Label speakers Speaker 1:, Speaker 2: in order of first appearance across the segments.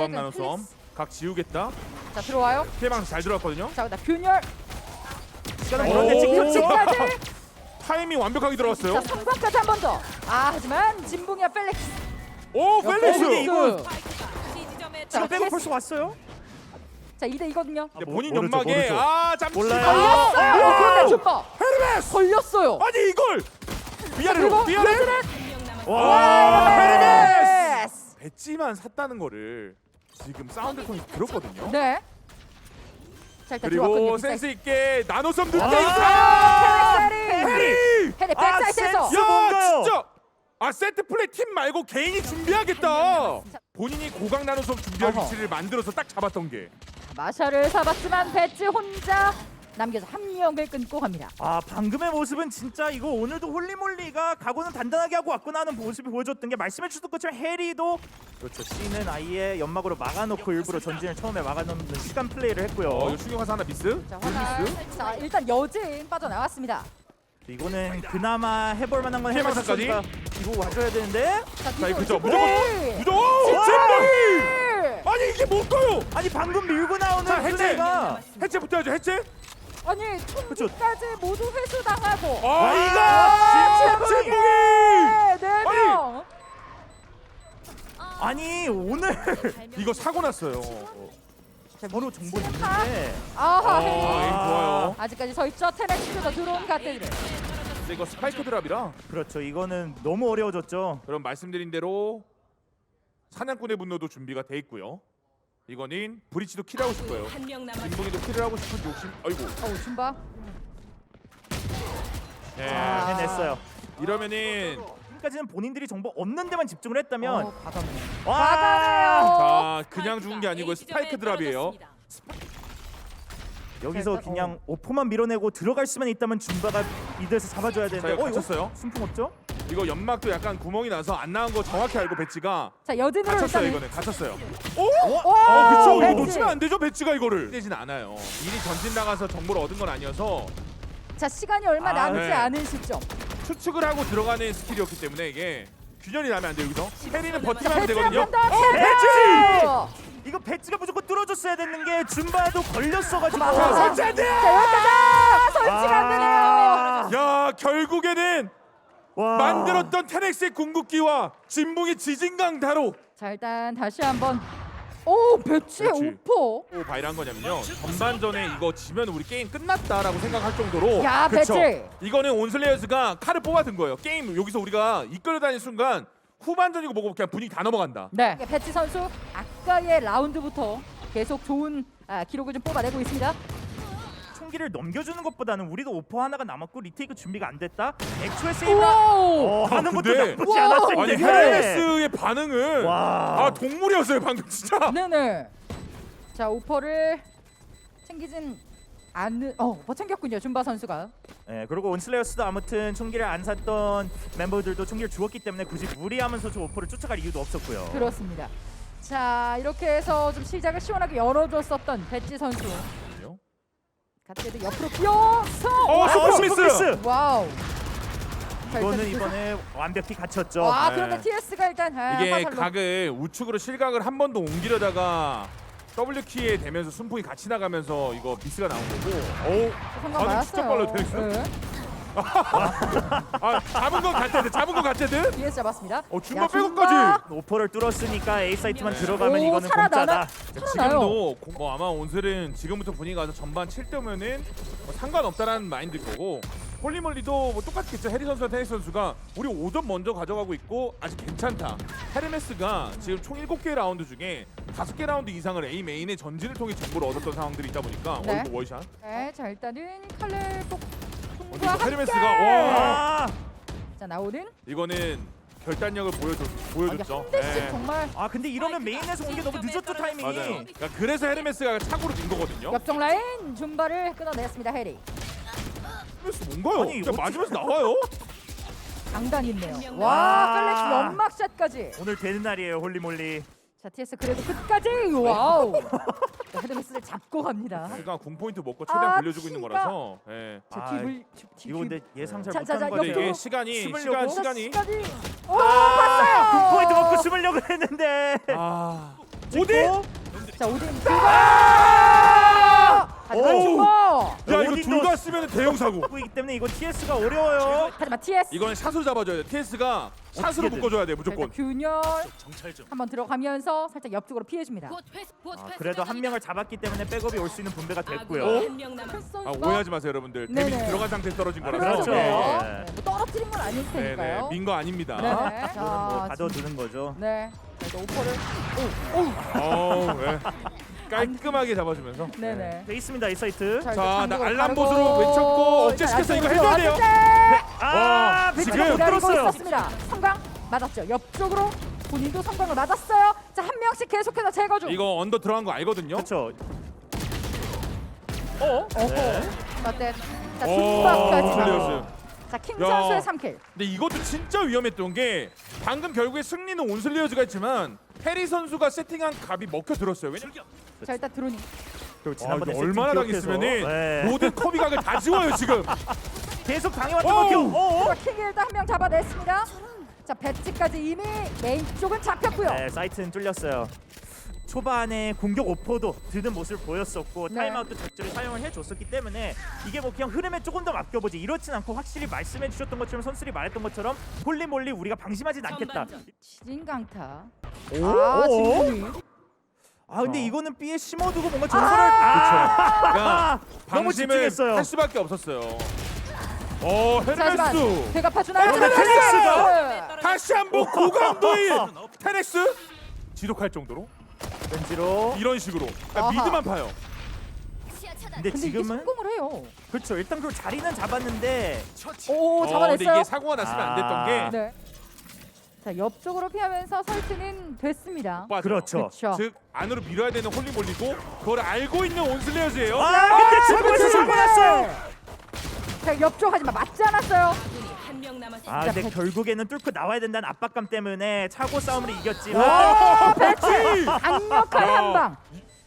Speaker 1: 고강 나노섬 각 지우겠다.
Speaker 2: 자 들어와요.
Speaker 1: 피해방 잘 들어왔거든요.
Speaker 2: 자 그다음 균열.
Speaker 3: 시간은
Speaker 1: 오.
Speaker 3: 그런데 찍혔죠.
Speaker 2: 지금까지.
Speaker 1: 타이밍 완벽하게 들어갔어요.
Speaker 2: 자 3번까지 한 번 더. 아 하지만 진붕이와 펠릭스.
Speaker 1: 오 펠릭스.
Speaker 3: 이거
Speaker 2: 자,
Speaker 3: 지금 빼고
Speaker 2: 패스.
Speaker 3: 벌써 왔어요?
Speaker 2: 자 2대2거든요.
Speaker 1: 근데 본인
Speaker 3: 모르죠,
Speaker 1: 연막에
Speaker 3: 모르죠.
Speaker 1: 잠시
Speaker 3: 몰라요.
Speaker 2: 걸렸어요. 그런데 줌바
Speaker 1: 헤르메스.
Speaker 2: 걸렸어요.
Speaker 1: 아니 이걸 위아래로
Speaker 2: 그리고
Speaker 1: 위아래.
Speaker 3: 와.
Speaker 2: 헤르메스.
Speaker 1: 배지만 샀다는 거를 지금 사운드 톤이 들었거든요.
Speaker 2: 네. 자 일단 들어왔거든요.
Speaker 1: 그리고 센스 있게 나노섬 늦게
Speaker 2: 아,
Speaker 1: 해리.
Speaker 2: 헤리 백사이트에서.
Speaker 3: 센스.
Speaker 1: 야
Speaker 3: 뭔가요?
Speaker 1: 진짜. 아 세트 플레이 팀 말고 개인이 준비하겠다. 본인이 고강 나노섬 준비할
Speaker 2: 어허.
Speaker 1: 위치를 만들어서 딱 잡았던 게.
Speaker 2: 마샤를 잡았지만 배지 혼자 남겨서 한 명을 끊고 갑니다.
Speaker 3: 아 방금의 모습은 진짜 이거 오늘도 홀리몰리가 각오는 단단하게 하고 왔구나 하는 모습이 보여줬던 게 말씀해 주셨던 것처럼 해리도 그렇죠. C는 아예 연막으로 막아놓고 일부러 전진을 처음에 막아놓는 시간 플레이를 했고요.
Speaker 1: 이거 충격 화사 하나 미스?
Speaker 2: 자 화날. 자 일단 여진 빠져나왔습니다.
Speaker 3: 이거는 그나마 해볼 만한 건
Speaker 1: 피해망상까지?
Speaker 3: 해마스가 이거 와줘야 되는데
Speaker 2: 자
Speaker 1: 자, 이거 그죠?
Speaker 2: 뒤로
Speaker 1: 무조건 무조건
Speaker 2: 진짜!
Speaker 1: 잼방이! 아니 이게 뭘까요?
Speaker 3: 아니 방금 밀고 나오는
Speaker 1: 자, 해체!
Speaker 3: 플레이가
Speaker 1: 해체부터 해야죠 해체?
Speaker 2: 아니 총기까지 모두 회수당하고.
Speaker 1: 아 이거
Speaker 2: 진짜
Speaker 1: 잼방이!
Speaker 2: 네 명.
Speaker 3: 아니 오늘
Speaker 1: 이거 사고 났어요.
Speaker 3: 바로 정보
Speaker 2: 하.
Speaker 3: 있는데
Speaker 2: 아하
Speaker 1: 에임
Speaker 2: 헤리.
Speaker 1: 좋아요.
Speaker 2: 아직까지 서 있죠. 테넥스에서 들어온 갓데드.
Speaker 1: 근데 이거 스파이크 드랍이라
Speaker 3: 그렇죠. 이거는 너무 어려워졌죠.
Speaker 1: 그럼 말씀드린 대로 사냥꾼의 분노도 준비가 돼 있고요. 이거는 브리치도 킬하고 싶어요. 진봉이도 킬을 하고 싶은 욕심. 아이고.
Speaker 2: 어우 줌바.
Speaker 1: 네.
Speaker 2: 아.
Speaker 3: 해냈어요.
Speaker 1: 이러면은
Speaker 3: 지금까지는 본인들이 정보 없는 데만 집중을 했다면
Speaker 2: 과감해.
Speaker 3: 와
Speaker 2: 과감해요.
Speaker 1: 자 그냥 죽은 게 아니고 스파이크 드랍이에요.
Speaker 3: 여기서
Speaker 2: 일단,
Speaker 3: 그냥 오포만 밀어내고 들어갈 수만 있다면 줌바가 이들에서 잡아줘야
Speaker 1: 자
Speaker 3: 되는데
Speaker 1: 이거 갇혔어요.
Speaker 3: 순풍 없죠?
Speaker 1: 이거 연막도 약간 구멍이 나서 안 나온 거 정확히 알고 배지가
Speaker 2: 자 여진으로
Speaker 1: 갇혔어요.
Speaker 2: 일단.
Speaker 1: 이거는 갇혔어요.
Speaker 2: 와,
Speaker 1: 그쵸 이거
Speaker 2: 배지.
Speaker 1: 놓치면 안 되죠 배지가 이거를. 되진 않아요. 미리 전진 나가서 정보를 얻은 건 아니어서
Speaker 2: 자 시간이 얼마
Speaker 3: 아,
Speaker 2: 남지
Speaker 1: 네.
Speaker 2: 않은 시점.
Speaker 1: 추측을 하고 들어가는 스킬이었기 때문에 이게 균열이 나면 안 돼요 여기서. 해리는
Speaker 2: 자
Speaker 1: 버티면 하면
Speaker 2: 배지
Speaker 1: 되거든요.
Speaker 2: 한번 더.
Speaker 3: 배지! 이거 배지가 무조건 뚫어줬어야 됐는 게 줌바도 걸렸어가지고
Speaker 1: 자 설치 안 돼!
Speaker 2: 자 여기까지 설치가 안 되네요.
Speaker 1: 야 결국에는
Speaker 3: 와.
Speaker 1: 만들었던 테넥스의 궁극기와 진붕의 지진강 다로.
Speaker 2: 자 일단 다시 한번. 오 배치의
Speaker 1: 배치.
Speaker 2: 오퍼.
Speaker 1: 또 바이란 거냐면요 전반전에 이거 지면 우리 게임 끝났다라고 생각할 정도로
Speaker 2: 야,
Speaker 1: 그쵸?
Speaker 2: 배치.
Speaker 1: 이거는 온슬레이어스가 칼을 뽑아든 거예요. 게임 여기서 우리가 이끌려 다니는 순간 후반전이고 뭐고 그냥 분위기 다 넘어간다.
Speaker 2: 네. 배치 선수 아까의 라운드부터 계속 좋은 기록을 좀 뽑아내고 있습니다.
Speaker 3: 총기를 넘겨주는 것보다는 우리도 오퍼 하나가 남았고 리테이크 준비가 안 됐다. 애초에 세이브
Speaker 2: 오.
Speaker 3: 하는 것도
Speaker 1: 근데-
Speaker 3: 나쁘지 않았을
Speaker 1: 아니
Speaker 3: 텐데.
Speaker 1: 헤르메스의 반응은
Speaker 3: 와.
Speaker 1: 아 동물이었어요 방금 진짜.
Speaker 2: 네네. 자 오퍼를 챙기진 않는. 오퍼 챙겼군요 줌바 선수가.
Speaker 3: 네, 그리고 온슬레이어스도 아무튼 총기를 안 샀던 멤버들도 총기를 주었기 때문에 굳이 무리하면서 저 오퍼를 쫓아갈 이유도 없었고요.
Speaker 2: 그렇습니다. 자 이렇게 해서 좀 시작을 시원하게 열어줬었던 배지 선수. 갓데드 옆으로 뛰어서.
Speaker 1: 슈퍼미스!
Speaker 2: 와우. 자,
Speaker 3: 이거는
Speaker 2: 일단
Speaker 3: 이번에 완벽히 갇혔죠.
Speaker 2: 와
Speaker 1: 네.
Speaker 2: 그런데 TS가 일단
Speaker 1: 이게
Speaker 2: 화살로.
Speaker 1: 각을 우측으로 실각을 한 번 더 옮기려다가 W 키에 대면서 순풍이 같이 나가면서 이거 미스가 나온 거고. 오,
Speaker 2: 성공
Speaker 1: 반응 진짜
Speaker 2: 맞았어요.
Speaker 1: 빨라요, 테닉스.
Speaker 2: 네.
Speaker 1: 아 잡은 건 갓데드, 잡은 건 갓데드.
Speaker 2: TS 잡았습니다.
Speaker 1: 중간
Speaker 2: 야,
Speaker 1: 백업까지.
Speaker 3: 오퍼를 뚫었으니까 A 사이트만
Speaker 1: 네.
Speaker 3: 들어가면
Speaker 2: 오,
Speaker 3: 이거는
Speaker 2: 살아나나?
Speaker 3: 공짜다.
Speaker 2: 살아나요.
Speaker 1: 지금도 뭐 아마 온슬은 지금부터 분위기 가서 전반 7대면은 뭐 상관없다라는 마인드일 거고 홀리몰리도 뭐 똑같겠죠. 해리 선수와 테니스 선수가 우리 5점 먼저 가져가고 있고 아직 괜찮다. 헤르메스가 지금 총 7개 라운드 중에 5개 라운드 이상을 A 메인의 전진을 통해 정보를 얻었던 상황들이 있다 보니까
Speaker 2: 네.
Speaker 1: 이거 월샷.
Speaker 2: 네, 자 일단은 칼날
Speaker 1: 근데
Speaker 2: 폭풍과
Speaker 1: 이거
Speaker 2: 함께.
Speaker 1: 헤르메스가 와
Speaker 3: 아,
Speaker 2: 자 나오는.
Speaker 1: 이거는 결단력을 보여줬죠.
Speaker 2: 한 대씩
Speaker 1: 네.
Speaker 2: 정말
Speaker 3: 아 근데 이러면 메인에서 온 게 너무 늦었죠 타이밍이.
Speaker 1: 맞아요. 그러니까 그래서 헤르메스가 착오로 진 거거든요.
Speaker 2: 옆쪽 라인 줌바를 끊어냈습니다 해리.
Speaker 1: 헤르메스 뭔가요?
Speaker 3: 아니,
Speaker 1: 진짜
Speaker 3: 어떻게-
Speaker 1: 맞으면서 나와요?
Speaker 2: 강단 있네요.
Speaker 3: 와.
Speaker 2: 와 펠렉스 연막샷까지.
Speaker 3: 오늘 되는 날이에요 홀리몰리.
Speaker 2: 자 TS 그래도 끝까지. 와우. 자, 헤르메스를 잡고 갑니다.
Speaker 1: 그러니까 궁 포인트 먹고 최대한
Speaker 2: 아,
Speaker 1: 돌려주고 있는
Speaker 2: 피가-
Speaker 1: 거라서. 예.
Speaker 2: 자
Speaker 3: 아,
Speaker 2: 뒤불
Speaker 3: 이거 근데 예상 잘
Speaker 2: 자, 자,
Speaker 3: 못한
Speaker 2: 자,
Speaker 3: 거
Speaker 1: 근데
Speaker 3: 같아요.
Speaker 1: 이게 시간이
Speaker 3: 숨으려고?
Speaker 1: 시간이
Speaker 2: 오 봤어요.
Speaker 3: 포인트 먹고 숨으려고 했는데.
Speaker 1: 아 오딘!
Speaker 2: 자 오딘
Speaker 1: 아!
Speaker 2: 하지만
Speaker 3: 오!
Speaker 2: 중모.
Speaker 1: 야 이거
Speaker 3: 오딘도-
Speaker 1: 둘 다 쓰면 대형 사고.
Speaker 3: 이기 때문에 이거 TS가 어려워요.
Speaker 2: 하지만 TS
Speaker 1: 이거는 샷으로 잡아줘야 돼. TS가 샷으로
Speaker 3: 어떻게든.
Speaker 1: 묶어줘야 돼
Speaker 2: 자,
Speaker 1: 무조건.
Speaker 2: 일단 균열 한번 들어가면서 살짝 옆쪽으로 피해줍니다.
Speaker 3: 그래도 한 명을 잡았기 때문에 백업이 올 수 있는 분배가 됐고요.
Speaker 1: 아 오해하지 마세요 여러분들.
Speaker 2: 네네.
Speaker 1: 데미지 들어간 상태에서 떨어진 거라서.
Speaker 3: 그렇죠.
Speaker 2: 네.
Speaker 3: 네.
Speaker 2: 뭐 떨어뜨린 건 아닐
Speaker 1: 네네.
Speaker 2: 테니까요.
Speaker 1: 민 거 아닙니다.
Speaker 2: 네네.
Speaker 3: 이거는 뭐 가둬두는 거죠.
Speaker 2: 네. 자, 이제 오퍼를.
Speaker 1: 어우, 네. 깔끔하게 잡아주면서.
Speaker 2: 네네.
Speaker 3: 돼 있습니다 이 사이트.
Speaker 2: 자,
Speaker 1: 자, 나
Speaker 2: 일단
Speaker 1: 알람
Speaker 2: 바르고
Speaker 1: 보드로 외쳤고 억제시켰어. 이거 해줘야 돼요.
Speaker 3: 아,
Speaker 1: 지금
Speaker 3: 배치가 못
Speaker 2: 기다리고
Speaker 3: 들었어요.
Speaker 2: 있었습니다. 성광 맞았죠. 옆쪽으로 본인도 성광을 맞았어요. 자, 한 명씩 계속해서 제거 중.
Speaker 1: 이거 언더 들어간 거 알거든요.
Speaker 3: 그렇죠.
Speaker 2: 어허.
Speaker 1: 네.
Speaker 2: 어때? 자,
Speaker 1: 오,
Speaker 2: 중박까지.
Speaker 1: 온슬레어스.
Speaker 2: 자, 킹
Speaker 1: 야.
Speaker 2: 선수의 3킬.
Speaker 1: 근데 이것도 진짜 위험했던 게 방금 결국에 승리는 온슬레어즈가 했지만 해리 선수가 세팅한 값이 먹혀 들었어요. 왜냐면
Speaker 2: 자, 일단 드론이.
Speaker 3: 그리고
Speaker 1: 아,
Speaker 3: 지난번에
Speaker 1: 이거 얼마나
Speaker 3: 세팅 기억해서.
Speaker 1: 당했으면은
Speaker 3: 네.
Speaker 1: 모든 커비 각을 다 지워요 지금.
Speaker 3: 계속 당해왔던
Speaker 1: 오우.
Speaker 3: 것 같아요.
Speaker 2: 자, 킹이 일단 한 명 잡아냈습니다. 자, 배치까지 이미 메인 쪽은 잡혔고요.
Speaker 3: 네, 사이트는 뚫렸어요. 초반에 공격 오퍼도 드는 모습을 보였었고
Speaker 2: 네.
Speaker 3: 타임아웃도 적절히 사용을 해줬었기 때문에 이게 뭐 그냥 흐름에 조금 더 맡겨보지 이렇진 않고 확실히 말씀해주셨던 것처럼 선수들이 말했던 것처럼 홀리몰리 우리가 방심하진 않겠다.
Speaker 2: 지진 강타.
Speaker 3: 오?
Speaker 2: 아,
Speaker 3: 오?
Speaker 2: 진동이.
Speaker 3: 아 근데
Speaker 1: 어.
Speaker 3: 이거는 B에 심어두고 뭔가 전설을
Speaker 1: 그러니까
Speaker 3: 너무
Speaker 1: 방심을
Speaker 3: 집중했어요.
Speaker 1: 할 수밖에 없었어요.
Speaker 2: 자, 하지만
Speaker 1: 헤르메스
Speaker 2: 배가 파주나요?
Speaker 3: 근데 테넥스가?
Speaker 1: 다시 한번 고강도의 테넥스 지독할 정도로
Speaker 3: 왠지로.
Speaker 1: 이런 식으로 그러니까
Speaker 2: 아하.
Speaker 1: 미드만 파요.
Speaker 3: 근데
Speaker 2: 근데 이게
Speaker 3: 지금은
Speaker 2: 성공을 해요.
Speaker 3: 그렇죠. 일단 그 자리는 잡았는데
Speaker 2: 오,
Speaker 1: 근데
Speaker 2: 잡아냈어요.
Speaker 1: 이게 사고가 났으면 안 됐던 게
Speaker 2: 네. 자, 옆쪽으로 피하면서 설치는 됐습니다.
Speaker 1: 빠져요.
Speaker 3: 그렇죠.
Speaker 2: 그렇죠.
Speaker 1: 즉 안으로 밀어야 되는 홀리몰리고 그걸 알고 있는 온슬레어즈예요.
Speaker 3: 아 근데 지금에서 사고 났어요.
Speaker 2: 자, 옆쪽 하지만 맞지 않았어요.
Speaker 3: 아 근데 결국에는 뚫고 나와야 된다는 압박감 때문에 차고 싸움을 이겼지만
Speaker 2: 와, 배치 강력한
Speaker 1: 야.
Speaker 2: 한 방.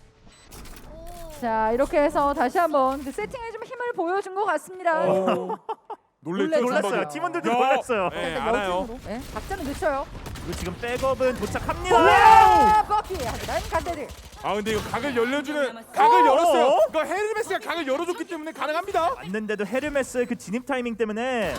Speaker 2: 자, 이렇게 해서 다시 한번 그 세팅에 좀 힘을 보여준 것 같습니다.
Speaker 1: 놀랬죠.
Speaker 3: 놀랐어요.
Speaker 1: 선박이.
Speaker 3: 팀원들도
Speaker 1: 야.
Speaker 3: 놀랐어요.
Speaker 1: 네,
Speaker 2: 일단
Speaker 1: 알아요.
Speaker 2: 여진으로. 네, 박자는 늦춰요.
Speaker 3: 그리고 지금 백업은 도착합니다.
Speaker 2: 와, 버키 하지만 간대들.
Speaker 1: 아 근데 이거 각을 열려주는 각을 열었어요. 그러니까 헤르메스가 각을 열어줬기 때문에 가능합니다.
Speaker 3: 맞는데도 헤르메스의 그 진입 타이밍 때문에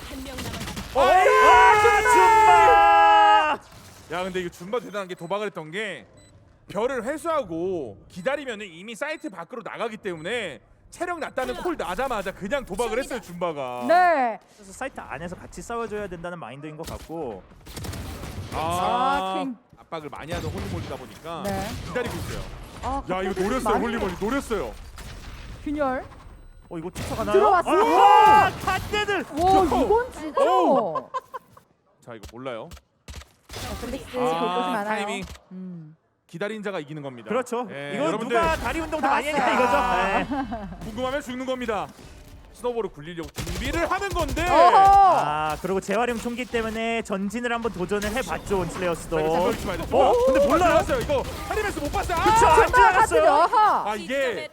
Speaker 1: 줌바! 야 근데 이거 줌바 대단한 게 도박을 했던 게 별을 회수하고 기다리면은 이미 사이트 밖으로 나가기 때문에 체력 낮다는 콜 나자마자 그냥 도박을 했어요 줌바가.
Speaker 2: 네.
Speaker 3: 그래서 사이트 안에서 같이 싸워줘야 된다는 마인드인 것 같고
Speaker 2: 아, 킹.
Speaker 1: 압박을 많이 하던 홀리몰리다 보니까
Speaker 2: 네.
Speaker 1: 기다리고 있어요.
Speaker 2: 아,
Speaker 1: 야 이거 노렸어요 홀리몰리 노렸어요.
Speaker 2: 균열.
Speaker 3: 이거 쫓아가나요?
Speaker 2: 들어왔어요.
Speaker 3: 아, 갓대들.
Speaker 2: 와, 이건 진짜.
Speaker 1: 오. 자 이거 몰라요.
Speaker 2: 플릭스 볼 것이 많아요.
Speaker 1: 타이밍
Speaker 2: 음.
Speaker 1: 기다린 자가 이기는 겁니다.
Speaker 3: 그렇죠.
Speaker 1: 예,
Speaker 3: 이거
Speaker 1: 여러분들
Speaker 3: 누가 다리 운동 더 많이 했냐 이거죠. 네.
Speaker 1: 궁금하면 죽는 겁니다. 스노볼을 굴리려고 준비를 하는 건데.
Speaker 2: 어허.
Speaker 3: 아 그리고 재활용 총기 때문에 전진을 한번 도전을 해봤죠 온슬레어스도.
Speaker 1: 그렇지 말자.
Speaker 3: 근데 몰라요?
Speaker 1: 봤어요 이거 헤리메스 못 봤어요.
Speaker 3: 그쵸, 안
Speaker 2: 카트죠.
Speaker 3: 지나갔어요.
Speaker 2: 어허.
Speaker 1: 아 이게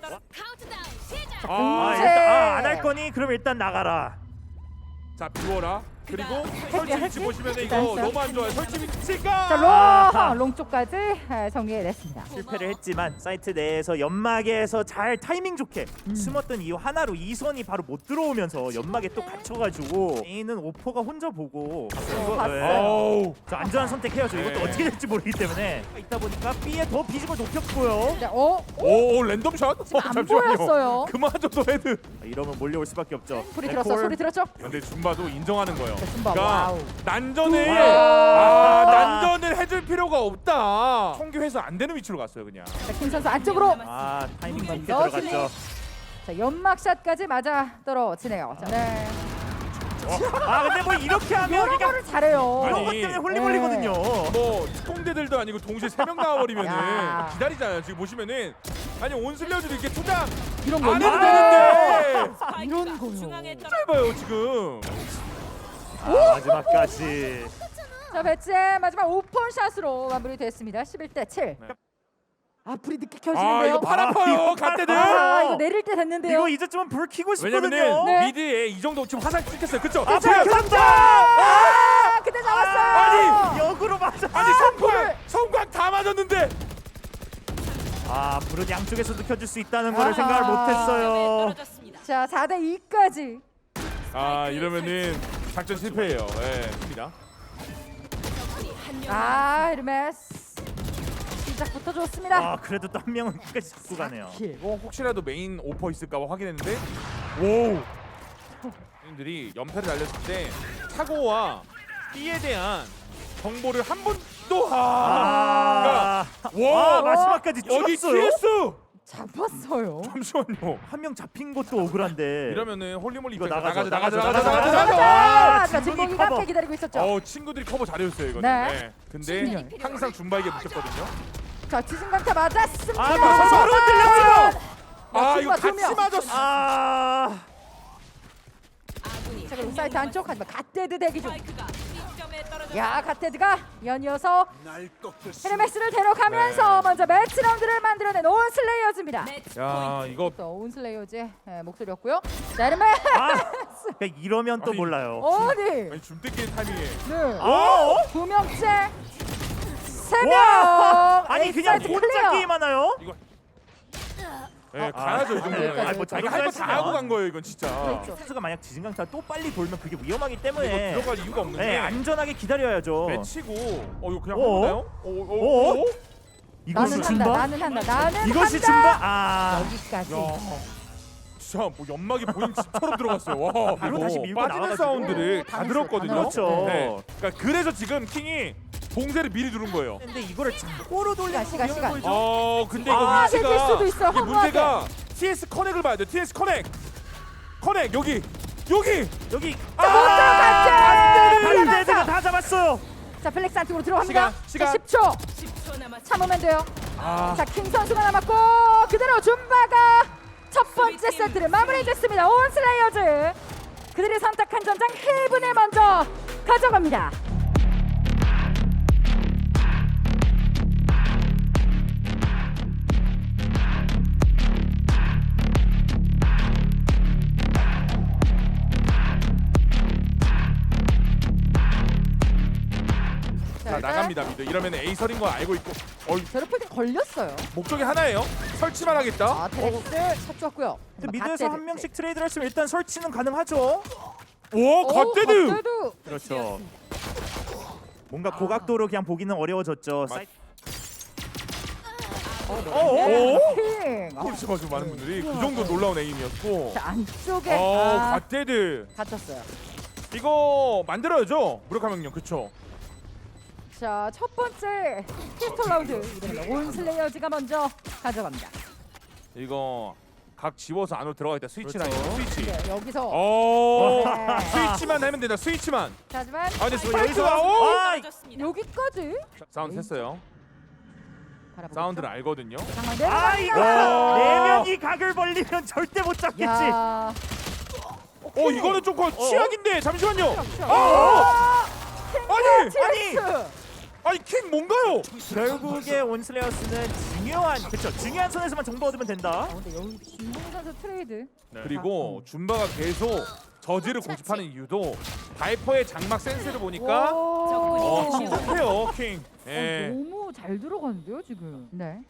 Speaker 3: 아
Speaker 2: 네.
Speaker 3: 일단 안 할 거니 그럼 일단 나가라.
Speaker 1: 자 비워라. 그리고 설치 위치 보시면 이거
Speaker 2: 일단
Speaker 1: 너무 안 좋아요. 설치 위치가.
Speaker 2: 자,
Speaker 3: 아하.
Speaker 2: 롱 쪽까지 정리해냈습니다.
Speaker 3: 실패를 했지만 사이트 내에서 연막에서 잘 타이밍 좋게 숨었던 이유 하나로 이선이 바로 못 들어오면서 연막에 또 갇혀가지고 A는 오퍼가 혼자 보고
Speaker 2: 봤어요.
Speaker 1: 어우.
Speaker 3: 저 안전한 선택해야죠. 이것도
Speaker 1: 네.
Speaker 3: 어떻게 될지 모르기 때문에 있다 보니까 B에 더 비중을 높였고요.
Speaker 2: 네,
Speaker 1: 오 랜덤 샷.
Speaker 2: 안 보였어요.
Speaker 1: 그마저도 헤드.
Speaker 3: 이러면 몰려올 수밖에 없죠.
Speaker 2: 소리
Speaker 3: 네,
Speaker 2: 들었어,
Speaker 3: 콜.
Speaker 2: 소리 들었죠?
Speaker 1: 근데 줌바도 인정하는 거예요.
Speaker 2: 줌바,
Speaker 1: 그러니까
Speaker 2: 와우.
Speaker 1: 난전을
Speaker 3: 와우.
Speaker 1: 난전을 해줄 필요가 없다. 총기회수 안 되는 위치로 갔어요 그냥.
Speaker 2: 자, 킹 선수 안쪽으로.
Speaker 3: 아 타이밍 좋게
Speaker 2: 먼저
Speaker 3: 들어갔죠.
Speaker 2: 자, 연막샷까지 맞아 떨어지네요. 자, 네.
Speaker 3: 아 근데 뭐 이렇게 하면
Speaker 2: 여러
Speaker 3: 그러니까
Speaker 2: 거를 잘해요.
Speaker 1: 아니,
Speaker 3: 이런 것 때문에 홀리몰리거든요.
Speaker 1: 뭐 특공대들도 아니고 동시에 3명 나와버리면은
Speaker 2: 야.
Speaker 1: 기다리잖아요. 지금 보시면은 아니 온슬려주도 이렇게 투장
Speaker 2: 이런
Speaker 1: 안 해도
Speaker 2: 거
Speaker 1: 되는데
Speaker 2: 이런 거요.
Speaker 1: 짧아요 지금.
Speaker 3: 아, 마지막까지.
Speaker 2: 자, 배치의 마지막 오픈샷으로 마무리됐습니다. 11대 7.
Speaker 1: 네.
Speaker 2: 아, 불이 늦게
Speaker 1: 아
Speaker 2: 켜지는데요.
Speaker 1: 이거 팔 아파요
Speaker 3: 이거
Speaker 1: 갓대들.
Speaker 2: 아, 이거 내릴 때 됐는데요.
Speaker 3: 이거 이제쯤은 불 켜고 싶거든요.
Speaker 1: 왜냐면은
Speaker 2: 네.
Speaker 1: 미드에 이 정도 지금 화살 찍혔어요. 그쵸?
Speaker 3: 아,
Speaker 1: 제가
Speaker 3: 불 켰다!
Speaker 2: 아, 그때 잡았어요.
Speaker 1: 아니!
Speaker 3: 역으로 맞아.
Speaker 1: 아니 성광 다 맞았는데
Speaker 3: 아 불은 양쪽에서도 켜줄 수 있다는 거를
Speaker 2: 아.
Speaker 3: 생각을 못했어요.
Speaker 2: 자 4대 2까지.
Speaker 1: 아 이러면은 작전 실패예요. 예, 입니다.
Speaker 2: 아 헤르메스 시작부터 좋습니다.
Speaker 3: 아 그래도 또 한 명은 끝까지 잡고 가네요.
Speaker 1: 뭐 혹시라도 메인 오퍼 있을까봐 확인했는데 오! 님들이 연패를 날렸을 때 사고와 B에 대한 정보를 한 번도
Speaker 3: 아,
Speaker 1: 와!
Speaker 3: 마지막까지
Speaker 1: 여기
Speaker 3: 죽었어요.
Speaker 1: TS!
Speaker 2: 잡았어요.
Speaker 1: 잠시만요.
Speaker 3: 한 명 잡힌 것도 억울한데.
Speaker 1: 이러면은 홀리몰리
Speaker 3: 이거
Speaker 1: 입장에서
Speaker 3: 나가죠.
Speaker 2: 자,
Speaker 3: 진국이
Speaker 2: 진국이
Speaker 3: 커버.
Speaker 2: 앞에 기다리고 있었죠.
Speaker 1: 어 친구들이 커버 잘해줬어요 이거는.
Speaker 2: 네.
Speaker 1: 근데
Speaker 2: 진짜.
Speaker 1: 항상 준바에게 묻혔거든요.
Speaker 2: 자 지진강타 맞았습니다.
Speaker 3: 아, 그거 서로 들렸어요.
Speaker 1: 아 이거
Speaker 2: 두 명.
Speaker 1: 같이 맞았어.
Speaker 3: 아
Speaker 2: 자 그리고 사이트 안쪽 하지만 갓데드 대기 중. 야 갓데드가 연이어서 헤르메스를 데려가면서
Speaker 1: 네.
Speaker 2: 먼저 매치 라운드를 만들어낸 온슬레이어즈입니다.
Speaker 1: 야 이거
Speaker 2: 또 온슬레이어즈의 목소리였고요. 자 헤르메스.
Speaker 3: 그러니까 이러면 또
Speaker 1: 아니.
Speaker 3: 몰라요.
Speaker 2: 어디?
Speaker 1: 아니 줌뜯기 타이밍에
Speaker 2: 네.
Speaker 3: 어?
Speaker 2: 두 명째. 세 명.
Speaker 3: 와! 아니 그냥
Speaker 2: 엑사이트
Speaker 3: 혼자
Speaker 2: 클리어.
Speaker 3: 게임하나요?
Speaker 1: 이거 예 가야죠 이 정도면.
Speaker 2: 여기까지,
Speaker 3: 아니, 뭐
Speaker 1: 자기 할 거 다
Speaker 3: 했으면.
Speaker 1: 하고 간 거예요 이건 진짜.
Speaker 2: 그렇죠.
Speaker 3: 선수가 만약 지진강타 또 빨리 돌면 그게 위험하기
Speaker 1: 이거
Speaker 3: 때문에
Speaker 1: 들어갈 이유가 없는
Speaker 3: 네,
Speaker 1: 게
Speaker 3: 안전하게 기다려야죠.
Speaker 1: 매치고 이거 그냥
Speaker 3: 어?
Speaker 1: 해보나요?
Speaker 3: 어? 이것이
Speaker 2: 나는 한다.
Speaker 3: 준바?
Speaker 2: 나는 한다. 나는
Speaker 3: 이것이
Speaker 2: 한다.
Speaker 3: 준바? 아
Speaker 2: 여기까지.
Speaker 1: 야 진짜 뭐 연막이 보인 집처럼 들어갔어요. 와
Speaker 3: 바로
Speaker 1: 이거
Speaker 3: 다시 밀고
Speaker 1: 빠지는
Speaker 3: 나와가지고.
Speaker 1: 사운드를 다
Speaker 2: 당했어요,
Speaker 1: 들었거든요.
Speaker 3: 그렇죠.
Speaker 1: 네. 그러니까 그래서 지금 킹이 봉쇄를 미리 누른 거예요.
Speaker 3: 근데 이거를 자고로 돌리는
Speaker 2: 시간,
Speaker 3: 거
Speaker 2: 시간.
Speaker 3: 보이죠?
Speaker 1: 근데 이거
Speaker 2: 아,
Speaker 1: 위치가
Speaker 2: 내릴 수도 있어요,
Speaker 1: 이게
Speaker 2: 허무하게.
Speaker 1: 문제가 TS 커넥을 봐야 돼. TS 커넥 여기
Speaker 3: 여기
Speaker 2: 갓데드!
Speaker 3: 갓데드가 다 잡았어요.
Speaker 2: 자 플렉스 안쪽으로 들어갑니다.
Speaker 1: 시간.
Speaker 2: 자, 10초. 참으면 돼요.
Speaker 1: 아
Speaker 2: 자 킹 선수가 남았고 그대로 줌바가 첫 번째 세트를 마무리했습니다. 온슬레이어즈 그들이 선택한 전장 헤븐을 먼저 가져갑니다.
Speaker 1: 자, 나갑니다 미드. 이러면 에이설인 거 알고 있고
Speaker 2: 제로폴드 걸렸어요.
Speaker 1: 목적이 하나예요. 설치만 하겠다.
Speaker 2: 아 테렉스 샷 좋았고요.
Speaker 3: 근데 미드에서 한 명씩 트레이드를 했으면 일단 설치는 가능하죠.
Speaker 1: 오 갓데드.
Speaker 2: 갓데드.
Speaker 3: 그렇죠. 뭔가 고각도로 그냥 보기는 어려워졌죠.
Speaker 1: 맞-
Speaker 2: 네, 킹.
Speaker 1: 그렇지 맞아 많은 분들이 그 정도 놀라운 에임이었고.
Speaker 2: 자 안쪽에 아,
Speaker 1: 갓데드
Speaker 2: 갇혔어요.
Speaker 1: 이거 만들어야죠. 무력화 명령 그쵸.
Speaker 2: 자 첫 번째 피스톨 라운드 이번에는 온슬레이어즈가 먼저 가져갑니다.
Speaker 1: 이거 각 지워서 안으로 들어가 있다. 스위치 라인
Speaker 3: 그렇죠.
Speaker 1: 스위치.
Speaker 2: 네, 여기서
Speaker 1: 어
Speaker 2: 네.
Speaker 1: 스위치만 하면 된다. 스위치만.
Speaker 2: 자, 하지만
Speaker 1: 아 근데
Speaker 3: 여기서
Speaker 1: 스파이크가 오!
Speaker 2: 여기까지
Speaker 1: 사운드 했어요.
Speaker 2: 바라보고
Speaker 1: 사운드를 알거든요.
Speaker 2: 있죠.
Speaker 3: 아 이거
Speaker 1: 와.
Speaker 3: 네 명이 각을 벌리면 절대 못 잡겠지.
Speaker 2: 야.
Speaker 1: 이거는 좀 취약인데 잠시만요.
Speaker 2: 아!
Speaker 1: 아니 아니 킹 뭔가요?
Speaker 3: 결국에 온슬레어스는 중요한 선에서만 정보 얻으면 된다.
Speaker 2: 근데 여기 김봉 선수 트레이드.
Speaker 1: 그리고 줌바가 계속 저지를 고집하는 이유도 바이퍼의 장막 센스를 보니까
Speaker 2: 오.
Speaker 1: 침착해요 킹. 예.
Speaker 2: 너무 잘 들어가는데요 지금. 네.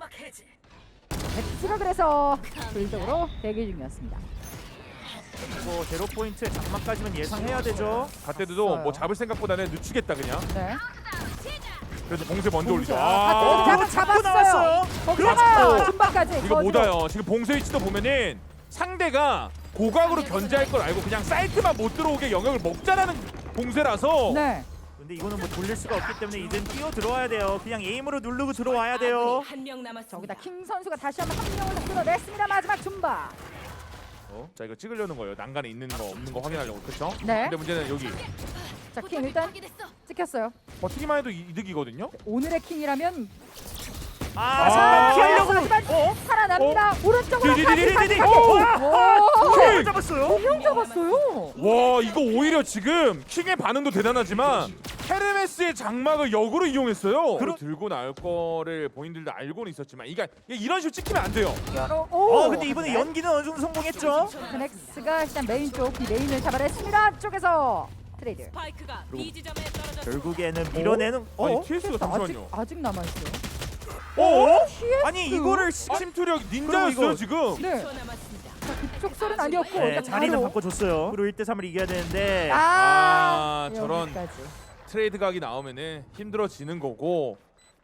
Speaker 2: 엑스가 그래서 불적으로 대기 중이었습니다.
Speaker 3: 뭐 제로 포인트의 장막까지는 예상해야 되죠.
Speaker 1: 갓데드도 뭐 잡을 생각보다는 늦추겠다 그냥.
Speaker 2: 네.
Speaker 1: 그래서 봉쇄 먼저 올리죠.
Speaker 2: 갓데드
Speaker 3: 잡고
Speaker 2: 잡았어요.
Speaker 3: 나왔어요.
Speaker 2: 거기다가
Speaker 1: 그렇죠.
Speaker 2: 줌바까지.
Speaker 1: 이거 못와요. 지금 봉쇄 위치도 보면은 상대가 고각으로 견제할 걸 알고 그냥 사이트만 못 들어오게 영역을 먹자라는 봉쇄라서.
Speaker 2: 네.
Speaker 3: 근데 이거는 뭐 돌릴 수가 없기 때문에 이젠 뛰어 들어와야 돼요. 그냥 에임으로 누르고 들어와야 돼요.
Speaker 4: 한명 남았습니다.
Speaker 2: 저기다 킹 선수가 다시 한번 한 명을 더 끊어냈습니다. 마지막 줌바.
Speaker 1: 자 이거 찍으려는 거예요. 난간에 있는 거 없는 거 확인하려고 그렇죠?
Speaker 2: 네.
Speaker 1: 근데 문제는 여기
Speaker 2: 자, 킹 일단 찍혔어요.
Speaker 1: 버티기만 해도 이득이거든요.
Speaker 2: 오늘의 킹이라면
Speaker 3: 잠깐 피하려고.
Speaker 2: 하지만 살아납니다. 오른쪽으로
Speaker 3: 디디디디디디.
Speaker 1: 킹!
Speaker 3: 잡았어요.
Speaker 2: 명 잡았어요.
Speaker 1: 와 이거 오히려 지금 킹의 반응도 대단하지만 헤르메스의 장막을 역으로 이용했어요. 들고 나올 거를 본인들도 알고는 있었지만 이게 이런 식으로 찍히면 안 돼요.
Speaker 3: 근데 이번에 연기는 어느 정도 성공했죠.
Speaker 2: 그넥스가 일단 메인 쪽 메인을 잡아냈습니다. 쪽에서 트레이드.
Speaker 4: 스파이크가 B 지점에 떨어졌습니다.
Speaker 3: 결국에는 밀어내는.
Speaker 1: 아니 TS가
Speaker 2: 아직
Speaker 1: 잠시만요.
Speaker 2: 아직 남아 있어요.
Speaker 3: 아니 이거를
Speaker 1: 침투력 닌자였어요
Speaker 3: 이거-
Speaker 1: 지금.
Speaker 2: 네. 자, 그쪽 소리는 아니었고
Speaker 3: 네,
Speaker 2: 일단
Speaker 3: 자리는
Speaker 2: 바로.
Speaker 3: 바꿔줬어요. 그리고 1대3을 이겨야 되는데
Speaker 1: 저런
Speaker 2: 여기까지.
Speaker 1: 트레이드 각이 나오면은 힘들어지는 거고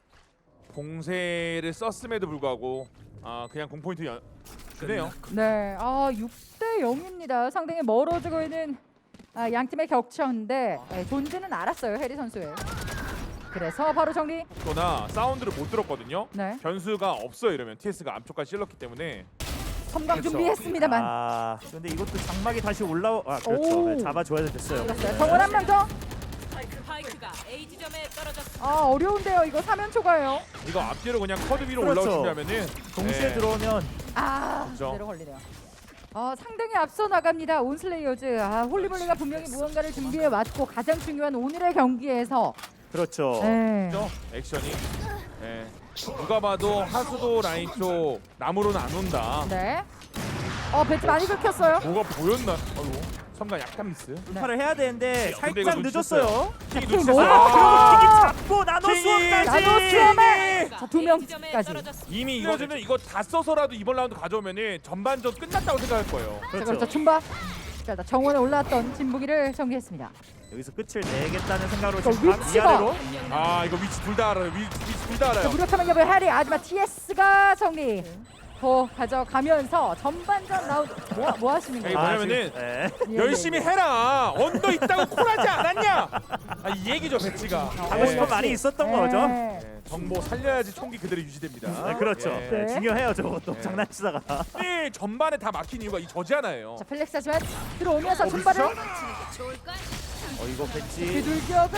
Speaker 1: 봉쇄를 썼음에도 불구하고 그냥 공포인트 주네요.
Speaker 2: 네, 6대 0입니다. 상당히 멀어지고 있는 양 팀의 격차인데 존재는 알았어요 해리 선수의. 그래서 바로 정리.
Speaker 1: 또나 사운드를 못 들었거든요.
Speaker 2: 네,
Speaker 1: 변수가 없어요 이러면 TS가 앞쪽까지 찔렀기 때문에.
Speaker 2: 섬광
Speaker 1: 그렇죠.
Speaker 2: 준비했습니다만.
Speaker 3: 근데 이것도 장막이 다시 그렇죠.
Speaker 2: 오.
Speaker 3: 네, 잡아줘야 됐어요.
Speaker 2: 그렇어요. 정원 한 명 더.
Speaker 4: 스파이크가 A 지점에 떨어졌습니다.
Speaker 2: 어려운데요. 이거 3연 초과예요.
Speaker 1: 이거 앞뒤로 그냥 커드 위로
Speaker 3: 그렇죠.
Speaker 1: 올라올 준비하면은
Speaker 3: 동시에
Speaker 1: 네.
Speaker 3: 들어오면
Speaker 1: 그렇죠.
Speaker 2: 그대로 걸리네요. 상당히 앞서 나갑니다. 온슬레이어즈. 홀리몰리가 분명히 무언가를 준비해 왔고 가장 중요한 오늘의 경기에서
Speaker 3: 그렇죠.
Speaker 2: 네.
Speaker 1: 그렇죠? 액션이. 네. 누가 봐도 하수도 라인 쪽 나무로는 안 온다.
Speaker 2: 네. 배치 많이 긁혔어요.
Speaker 1: 뭐가 보였나? 아이고 섬가 약간 미스.
Speaker 3: 돌파를 해야 되는데
Speaker 1: 근데 이거
Speaker 3: 살짝 늦었어요.
Speaker 1: 킹이
Speaker 2: 킹
Speaker 1: 놓쳤어요.
Speaker 2: 뭐야?
Speaker 3: 그리고 킹이 잡고 나노
Speaker 1: 킹이!
Speaker 3: 수업까지.
Speaker 2: 나노 수업에! 자, 두
Speaker 4: A
Speaker 2: 명까지.
Speaker 4: 지점에 떨어졌습니다.
Speaker 1: 이미 이거는 이거 다 써서라도 이번 라운드 가져오면은 전반전 끝났다고 생각할 거예요.
Speaker 2: 그렇죠. 줌바. 자, 일단 정원에 올라왔던 진북이를 정리했습니다.
Speaker 3: 여기서 끝을 내겠다는 생각으로
Speaker 2: 저
Speaker 3: 지금
Speaker 2: 위치가-
Speaker 3: 위아래로
Speaker 1: 이거 위치 둘 다 알아요. 위치 둘 다 알아요.
Speaker 2: 무력함을 겹을 해리. 하지만 TS가 정리. 더 가져가면서 전반전 라운드 뭐 하시는
Speaker 1: 이게
Speaker 2: 거예요?
Speaker 1: 뭐냐면은
Speaker 3: 네.
Speaker 1: 열심히 해라. 언더 있다고 콜하지 않았냐? 이 얘기죠 배치가.
Speaker 3: 하고 싶은 말이 있었던 거죠.
Speaker 2: 네.
Speaker 1: 정보 살려야지 총기 그대로 유지됩니다.
Speaker 3: 네, 그렇죠.
Speaker 1: 예.
Speaker 3: 네, 중요해요 저것도
Speaker 1: 네.
Speaker 3: 장난치다가.
Speaker 1: 네, 전반에 다 막힌 이유가 이 저지 하나예요.
Speaker 2: 자, 펠렉스 하지만 들어오면서 줌바를
Speaker 4: 좋을걸?
Speaker 3: 이거 배치.
Speaker 2: 비둘기역을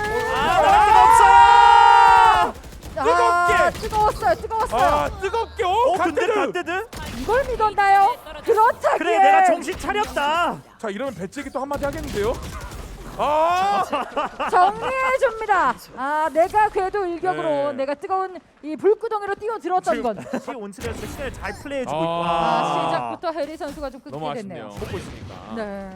Speaker 3: 없어요.
Speaker 2: 뜨거웠어요.
Speaker 1: 뜨겁게
Speaker 3: 갓데드
Speaker 1: 갓데드.
Speaker 3: 갓데드.
Speaker 2: 이걸 믿었나요? 그렇다기에
Speaker 3: 그래 내가 정신 차렸다.
Speaker 1: 자 이러면 배치에게 또 한마디 하겠는데요?
Speaker 2: 정리해 줍니다. 내가 그래도 일격으로
Speaker 1: 네.
Speaker 2: 내가 뜨거운 이 불구덩이로 뛰어들었던 건.
Speaker 3: 다시 온스레어스 시간을 잘 플레이해주고 있고.
Speaker 2: 시작부터 해리 선수가 좀
Speaker 1: 너무
Speaker 2: 끊게 됐네요.
Speaker 1: 아쉽네요. 먹고 있으니까.
Speaker 2: 네.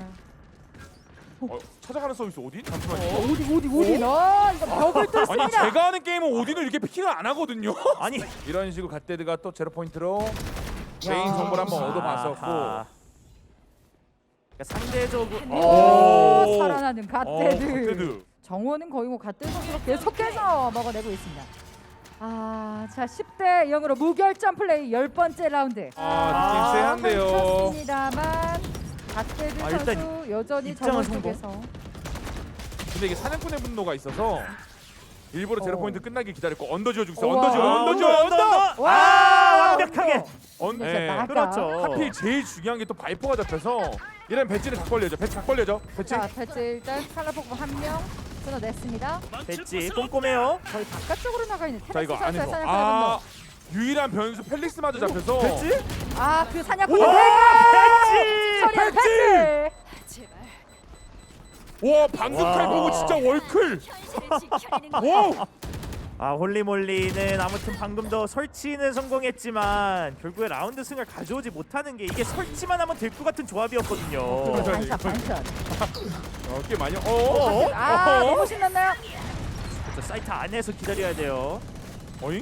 Speaker 1: 찾아가는 서비스 어디? 잠시만요.
Speaker 2: 어디 이거 벽을
Speaker 1: 아니
Speaker 2: 뚫습니다.
Speaker 1: 제가 하는 게임은 오딘을 이렇게 픽을 안 하거든요.
Speaker 3: 아니
Speaker 1: 이런 식으로 갓데드가 또 제로 포인트로 메인 정보를 한번 얻어봤었고.
Speaker 3: 아하. 그러니까 상대적으로
Speaker 2: 오, 살아나는 갓데드.
Speaker 1: 갓데드.
Speaker 2: 정원은 거의 뭐 갓데드 선수로 계속해서 먹어내고 있습니다. 자 10대 0으로 무결점 플레이 10번째 라운드.
Speaker 1: 느낌 쎄한데요.
Speaker 2: 펼쳤습니다만 갓데드
Speaker 3: 일단
Speaker 2: 선수 여전히
Speaker 3: 입장은
Speaker 2: 정원
Speaker 3: 성공.
Speaker 2: 쪽에서.
Speaker 1: 근데 이게 사냥꾼의 분노가 있어서 일부러 제로 포인트 끝나길 기다렸고 언더 지어주고 있어.
Speaker 2: 우와.
Speaker 1: 언더 지어. 언더.
Speaker 3: 완벽하게.
Speaker 2: 네, 나가.
Speaker 3: 그렇죠.
Speaker 1: 하필 제일 중요한 게 또 바이퍼가 잡혀서 이런 배치는 각 벌려져. 배치 각 벌려져. 배치.
Speaker 2: 자 패치 일단 칼라포크 한 명 끊어냈습니다.
Speaker 3: 배치 꼼꼼해요.
Speaker 2: 거의 바깥쪽으로 나가 있는
Speaker 1: 자
Speaker 2: 테라스
Speaker 1: 이거
Speaker 2: 선수의
Speaker 1: 안에서
Speaker 2: 사냥꾼의
Speaker 1: 유일한 변수 펠릭스마저 잡혀서
Speaker 3: 배치?
Speaker 2: 분노. 그 사냥꾼의
Speaker 3: 와, 배치!
Speaker 2: 처리한 패치.
Speaker 4: 제발.
Speaker 1: 와 방금
Speaker 3: 와.
Speaker 1: 칼 보고 진짜 월클.
Speaker 4: 현실을 지켜내는 거.
Speaker 1: 와.
Speaker 3: 홀리몰리는 아무튼 방금 더 설치는 성공했지만 결국에 라운드 승을 가져오지 못하는 게 이게 설치만 하면 될 것 같은 조합이었거든요.
Speaker 2: 반샷.
Speaker 1: 꽤 많이.
Speaker 2: 너무 신났나요?
Speaker 3: 그렇죠. 사이트 안에서 기다려야 돼요.
Speaker 1: 어잉?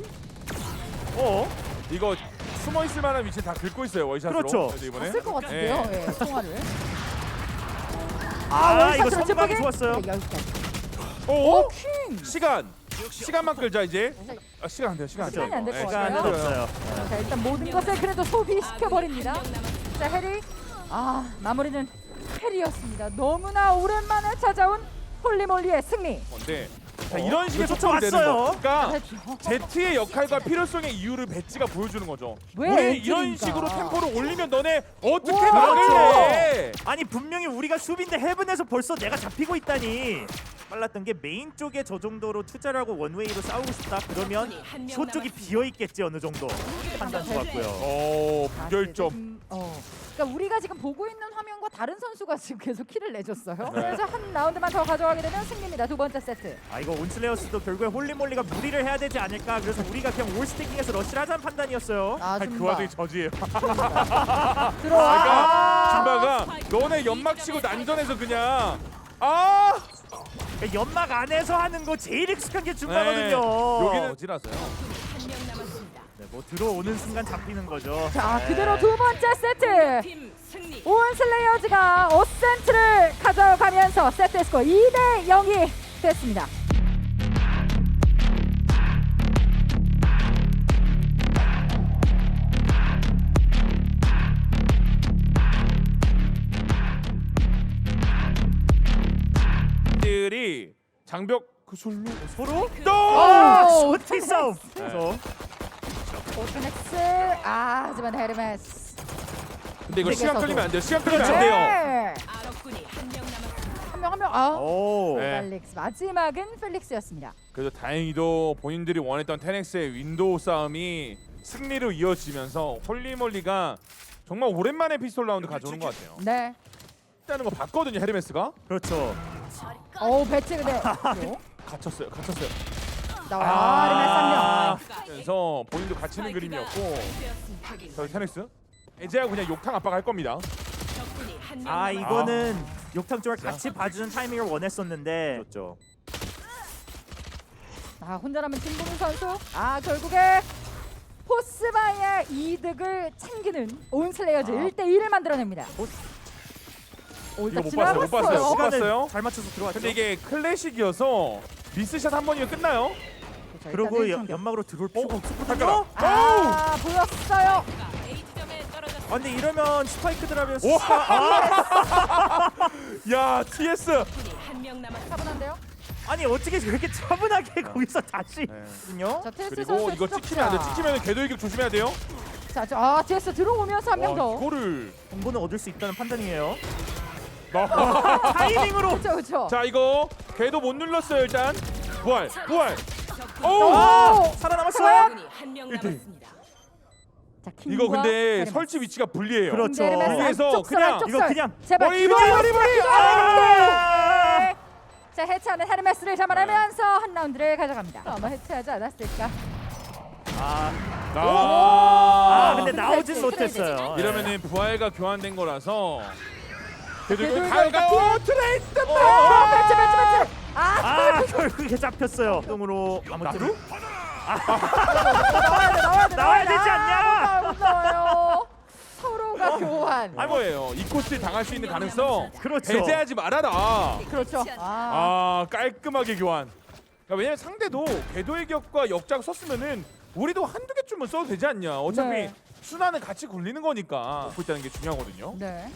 Speaker 3: 이거
Speaker 1: 숨어 있을 만한 위치 다 긁고 있어요 월샷으로.
Speaker 3: 그렇죠.
Speaker 1: 그래서 이번에.
Speaker 2: 봤을 것 같은데요.
Speaker 1: 네.
Speaker 2: 통화를.
Speaker 3: 이거
Speaker 2: 월샷으로
Speaker 3: 선방이
Speaker 2: 찌르기?
Speaker 3: 좋았어요.
Speaker 2: 네, 여기까지.
Speaker 1: 오.
Speaker 2: 킹.
Speaker 1: 시간만 끌자 이제. 시간 안 돼요. 시간 안 돼요.
Speaker 2: 시간이 안될것
Speaker 1: 네,
Speaker 2: 같아요.
Speaker 3: 시간은 없어요.
Speaker 2: 자 일단 모든 것을 그래도 소비시켜 버립니다.
Speaker 4: 한명 남았습니다.
Speaker 2: 자 해리. 마무리는 해리였습니다. 너무나 오랜만에 찾아온 홀리몰리의 승리.
Speaker 1: 건데 자, 이런 식의
Speaker 3: 이거
Speaker 1: 소통이 되는
Speaker 3: 쫓아왔어요.
Speaker 1: 거. 그러니까 제트의 역할과 필요성의 이유를 배치가 보여주는 거죠.
Speaker 2: 왜
Speaker 1: 우리 이런
Speaker 2: 엔트리인가?
Speaker 1: 식으로 템포를 올리면 너네 어떻게
Speaker 2: 우와.
Speaker 1: 막을래?
Speaker 3: 아니 분명히 우리가 수비인데 헤븐에서 벌써 내가 잡히고 있다니. 빨랐던 게 메인 쪽에 저 정도로 투자를 하고 원웨이로 싸우고 싶다 그러면
Speaker 4: 한명
Speaker 3: 쇼 쪽이
Speaker 4: 남았습니다.
Speaker 3: 비어 있겠지 어느 정도 판단 좋았고요.
Speaker 1: 무결점.
Speaker 2: 그러니까 우리가 지금 보고 있는 화면과 다른 선수가 지금 계속 키를 내줬어요.
Speaker 1: 네.
Speaker 2: 그래서 한 라운드만 더 가져가게 되면 승리입니다. 두 번째 세트.
Speaker 3: 이거 온슬레어스도 결국에 홀리몰리가 무리를 해야 되지 않을까. 그래서 우리가 그냥 올스태킹해서 러시를 하자는 판단이었어요.
Speaker 1: 그
Speaker 2: 줌바
Speaker 1: 와중에 저지예요.
Speaker 2: 들어와.
Speaker 1: 줌바가 너네 연막 치고 난전해서 그냥
Speaker 3: 그러니까 연막 안에서 하는 거 제일 익숙한 게 줌바거든요.
Speaker 1: 네. 여기는 저지라서요.
Speaker 4: 한명 남았습니다.
Speaker 3: 네, 뭐 들어오는 순간 잡히는 거죠.
Speaker 2: 자,
Speaker 3: 네.
Speaker 2: 그대로 두 번째 세트.
Speaker 4: 팀 승리.
Speaker 2: 온슬레이어즈가 어센트를 가져가면서 세트 스코어 2대 0이 됐습니다.
Speaker 1: 들이 장벽 그 솔로
Speaker 3: 서로
Speaker 2: 오,
Speaker 3: 슈팅 싸움. 그래서
Speaker 2: 오트넥스. 하지만 헤르메스.
Speaker 1: 근데 이거 시간
Speaker 2: 세계에서도.
Speaker 1: 끌리면 안 돼요. 시간 끌리면 안
Speaker 3: 그렇죠.
Speaker 1: 돼요.
Speaker 2: 네.
Speaker 4: 아랍군이 한 명 남았습니다.
Speaker 2: 한 명.
Speaker 3: 오.
Speaker 1: 네.
Speaker 2: 펠릭스. 마지막은 펠릭스였습니다.
Speaker 1: 그래도 다행히도 본인들이 원했던 테넥스의 윈도우 싸움이 승리로 이어지면서 홀리몰리가 정말 오랜만에 피스톨 라운드 가져오는 것 같아요.
Speaker 2: 네.
Speaker 1: 일단은 거 봤거든요, 헤르메스가.
Speaker 3: 그렇죠.
Speaker 2: 배치 근데
Speaker 1: 갇혔어요.
Speaker 2: 나와요. 헤르메스 한 명.
Speaker 1: 그래서 본인도 갇히는 그림이었고 저희 테넥스 이제야 그냥 욕탕 압박할 겁니다.
Speaker 4: 적군이 한 명
Speaker 3: 아
Speaker 4: 남았습니다.
Speaker 3: 이거는 욕탕 쪽을 같이 봐주는 타이밍을 원했었는데. 그렇죠.
Speaker 2: 혼자 남은 진봉 선수. 결국에 포스바이의 이득을 챙기는 온슬레이어즈 1대1을 만들어냅니다.
Speaker 1: 이거 못 봤어요. 못 봤어요.
Speaker 3: 시간을 잘 맞춰서 들어왔죠.
Speaker 1: 근데 이게 클래식이어서 미스샷 한 번이면 끝나요.
Speaker 3: 그리고 연막으로 들어올 필요가
Speaker 1: 잠깐만.
Speaker 3: 없었거든요.
Speaker 2: 보였어요.
Speaker 4: A 지점에 떨어졌습니다.
Speaker 3: 근데 이러면 스파이크 드랍이면
Speaker 1: 오! 야, TS.
Speaker 4: 적군이 한 명 남았습니다.
Speaker 2: 차분한데요?
Speaker 3: 아니 어떻게 그렇게 차분하게 거기서 다시 거든요.
Speaker 2: 자, 테스
Speaker 1: 그리고
Speaker 2: 선수
Speaker 1: 이거 찍히면 안 돼. 찍히면 궤도 이격 조심해야 돼요.
Speaker 2: 자, TS 들어오면서 한 명 더.
Speaker 1: 이거를
Speaker 3: 정보는 얻을 수 있다는 판단이에요.
Speaker 1: 나.
Speaker 3: 타이밍으로.
Speaker 2: 그렇죠.
Speaker 1: 자, 이거 궤도 못 눌렀어요, 일단. 부활.
Speaker 4: 적군이
Speaker 1: 오!
Speaker 3: 살아남았어요.
Speaker 4: 적군이 한 명
Speaker 1: 일등.
Speaker 4: 남았습니다.
Speaker 2: 자,
Speaker 1: 이거
Speaker 2: 킹과
Speaker 1: 근데
Speaker 2: 헤르메스.
Speaker 1: 설치 위치가 불리해요.
Speaker 3: 그렇죠.
Speaker 1: 그래서 그냥
Speaker 3: 이거 그냥
Speaker 2: 제발
Speaker 1: 머리.
Speaker 3: 아!
Speaker 2: 자, 해체하는 헤르메스를 잡아내면서 한 라운드를 가져갑니다. 아마 해체하지 않았을까?
Speaker 3: 근데
Speaker 2: 근데
Speaker 3: 나오진
Speaker 2: 해체,
Speaker 3: 못했어요.
Speaker 1: 이러면은 부활과 교환된 거라서 궤도
Speaker 2: 궤도
Speaker 1: 이거
Speaker 2: 이거
Speaker 1: 가요. 트레이스.
Speaker 2: 배치.
Speaker 3: 결국에 잡혔어요. 똥으로 아무튼
Speaker 2: 나와야
Speaker 3: 나와야 되지 않냐?
Speaker 2: 못 나와요. 서로가 교환.
Speaker 1: 뭐예요? 이 코스 당할 수 있는 가능성
Speaker 3: 그렇죠.
Speaker 1: 배제하지 말아라.
Speaker 2: 그렇죠.
Speaker 1: 깔끔하게 교환. 그러니까 왜냐면 상대도 궤도의 격과 역작 썼으면은 우리도 한두 개쯤은 써도 되지 않냐. 어차피
Speaker 2: 네.
Speaker 1: 순환은 같이 굴리는 거니까 먹고 있다는 게 중요하거든요.
Speaker 2: 네.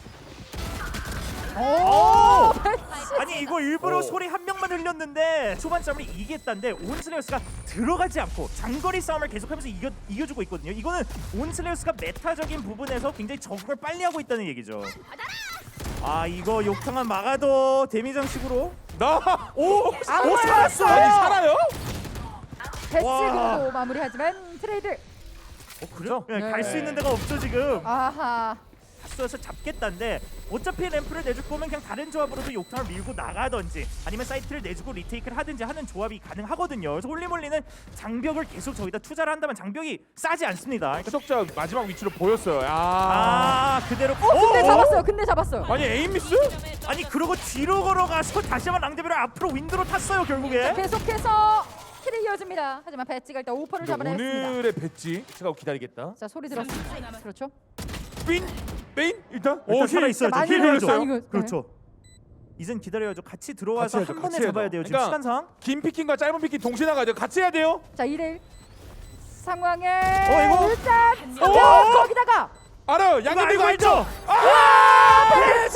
Speaker 3: 아니 이거 일부러
Speaker 1: 오.
Speaker 3: 소리 한 명만 흘렸는데 초반 싸움을 이기겠다는데 온슬레어스가 들어가지 않고 장거리 싸움을 계속하면서 이겨주고 있거든요. 이거는 온슬레어스가 메타적인 부분에서 굉장히 적응을 빨리 하고 있다는 얘기죠. 이거 욕탕은 막아도 데미장식으로
Speaker 2: 안
Speaker 3: 살았어요.
Speaker 1: 아니 살아요?
Speaker 2: 배치고 마무리하지만 트레이드.
Speaker 3: 그죠?
Speaker 2: 네.
Speaker 3: 갈 수 있는 데가 없죠 지금.
Speaker 2: 아하.
Speaker 3: 서 잡겠다는데 어차피 램프를 내줄 거면 그냥 다른 조합으로도 욕탕을 밀고 나가든지 아니면 사이트를 내주고 리테이크를 하든지 하는 조합이 가능하거든요. 그래서 홀리몰리는 장벽을 계속 저기다 투자를 한다면 장벽이 싸지 않습니다. 그러니까
Speaker 1: 추적자 마지막 위치로 보였어요.
Speaker 3: 그대로.
Speaker 2: 근데 잡았어요.
Speaker 1: 아니 에임 미스?
Speaker 3: 아니 그러고 뒤로 걸어가서 다시 한번 랑데비를 앞으로 윈도로 탔어요 결국에.
Speaker 2: 계속해서 킬이 이어집니다. 하지만 배치가 일단 오퍼를 잡아냈습니다.
Speaker 1: 오늘의 배지 제가 기다리겠다.
Speaker 2: 자, 소리 들었습니다. 그렇죠.
Speaker 1: 메인 일단
Speaker 3: 일단 살아 있어야죠.
Speaker 2: 많이
Speaker 3: 힐
Speaker 1: 걸렸어요.
Speaker 3: 걸렸어요.
Speaker 2: 많이
Speaker 3: 그렇죠. 이젠 기다려야죠. 같이 들어와서
Speaker 1: 같이 해야죠,
Speaker 3: 한 번에
Speaker 1: 같이
Speaker 3: 잡아야
Speaker 1: 해야죠.
Speaker 3: 돼요. 지금
Speaker 1: 그러니까
Speaker 3: 시간상.
Speaker 1: 긴 피킹과 짧은 피킹 동시에 나가야 돼요. 같이 해야 돼요.
Speaker 2: 자, 2대1 상황에
Speaker 3: 이거?
Speaker 2: 일단
Speaker 1: 오!
Speaker 2: 거기다가
Speaker 1: 알아요.
Speaker 3: 이거
Speaker 1: 양념
Speaker 3: 알고
Speaker 1: 들고
Speaker 3: 알죠?
Speaker 2: 배치!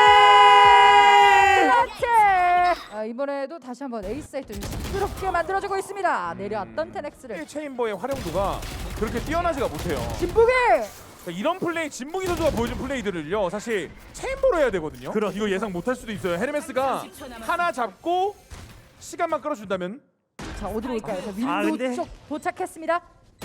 Speaker 2: 그렇지! 이번에도 다시 한번 에이스 사이트를 시끄럽게 만들어주고 있습니다. 내려왔던 테넥스를
Speaker 1: 체인버의 활용도가 그렇게 뛰어나지가 못해요.
Speaker 2: 진북이!
Speaker 1: 그러니까 이런 플레이 진북이 선수가 보여준 플레이들을요 사실 체인버로 해야 되거든요.
Speaker 3: 그렇죠.
Speaker 1: 이거 예상 못할 수도 있어요. 헤르메스가 하나 잡고 시간만 끌어준다면
Speaker 2: 자, 어디로 올까요? 자, 윈도
Speaker 3: 근데-
Speaker 2: 쪽 도착했습니다.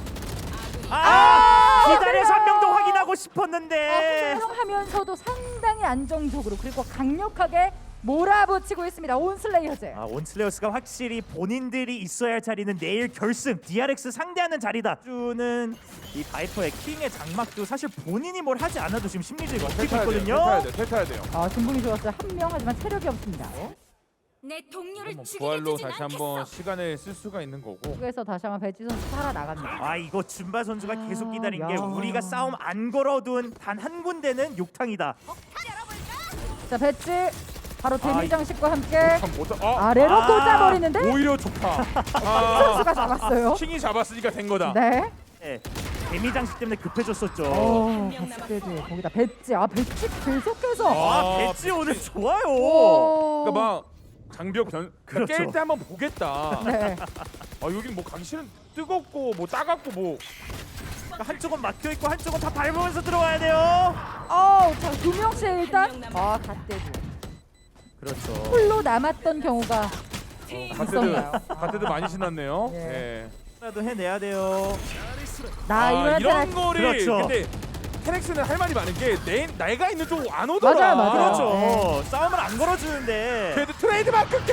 Speaker 3: 기다려서 한 명 더 확인하고 싶었는데.
Speaker 2: 하면서도 상당히 안정적으로 그리고 강력하게 몰아붙이고 있습니다. 온슬레이어즈.
Speaker 3: 온슬레어스가 확실히 본인들이 있어야 할 자리는 내일 결승 DRX 상대하는 자리다. 주는 이 바이퍼의 킹의 장막도 사실 본인이 뭘 하지 않아도 지금 심리적으로 먹히고 있거든요.
Speaker 1: 탈타야 돼요.
Speaker 2: 진봉이 좋았어요. 한 명 하지만 체력이 없습니다.
Speaker 4: 내 동료를
Speaker 1: 뭐
Speaker 4: 죽이게
Speaker 1: 부활로
Speaker 4: 두진
Speaker 1: 다시
Speaker 4: 않겠어.
Speaker 1: 한번 시간을 쓸 수가 있는 거고.
Speaker 2: 그래서 다시 한번 배지 선수 살아나갑니다.
Speaker 3: 아 이거 줌바 선수가 계속 기다린 게
Speaker 2: 야.
Speaker 3: 우리가 싸움 안 걸어둔 단 한 군데는 욕탕이다.
Speaker 2: 자 배지 바로 데미
Speaker 3: 이-
Speaker 2: 장식과 함께
Speaker 1: 참 못하.
Speaker 2: 아래로
Speaker 3: 아,
Speaker 2: 꽂아버리는데
Speaker 1: 오히려 좋다.
Speaker 2: 선수가 잡았어요.
Speaker 1: 킹이 잡았으니까 된 거다.
Speaker 2: 네.
Speaker 3: 네, 데미 장식 때문에 급해졌었죠.
Speaker 4: 한명
Speaker 2: 배지
Speaker 4: 남았어.
Speaker 2: 거기다 배지 배지 계속해서
Speaker 3: 아 배지 오늘 좋아요.
Speaker 2: 오.
Speaker 1: 그러니까 막 장벽 변
Speaker 3: 그렇죠.
Speaker 1: 깰 때 한번 보겠다.
Speaker 2: 네.
Speaker 1: 아 여긴 뭐 가기 싫은 뜨겁고 뭐 따갑고 뭐
Speaker 3: 한쪽은 막혀 있고 한쪽은 다 밟으면서 들어가야 돼요.
Speaker 2: 자, 두 명씩 일단
Speaker 4: 한명
Speaker 2: 갓대도
Speaker 3: 그렇죠.
Speaker 2: 홀로 남았던 경우가
Speaker 4: 팀
Speaker 2: 있었나요?
Speaker 1: 가테드 많이 신났네요.
Speaker 2: 예.
Speaker 1: 예.
Speaker 3: 라도 해내야 돼요.
Speaker 2: 나 이번에
Speaker 1: 이런 거를
Speaker 3: 그렇죠.
Speaker 1: 근데 테렉스는 할 말이 많은 게 내가 있는 쪽 안 오더라.
Speaker 2: 맞아요.
Speaker 3: 그렇죠.
Speaker 2: 네.
Speaker 3: 싸움을 안 걸어주는데.
Speaker 1: 걔도 트레이드 마크 걔도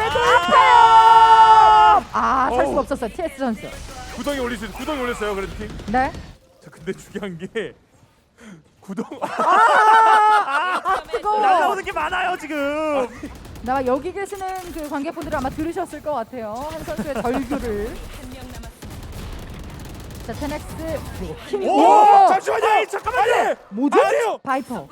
Speaker 2: 살
Speaker 1: 어우.
Speaker 2: 수가 없었어요. TS 선수.
Speaker 1: 구덩이 올릴 수 구덩이 올렸어요. 그래도 팀.
Speaker 2: 네.
Speaker 1: 자 근데 중요한 게 구덩
Speaker 2: 그거
Speaker 3: 날라오는 게 많아요 지금.
Speaker 2: 나 여기 계시는 그 관객분들 아마 들으셨을 것 같아요. 한 선수의 절규를.
Speaker 4: 한명 남았어.
Speaker 2: 자, 테넥스 그리고 킹.
Speaker 1: 오! 잠시만요.
Speaker 3: 아니, 잠깐만요.
Speaker 2: 뭐죠?
Speaker 1: 아니에요.
Speaker 2: 바이퍼.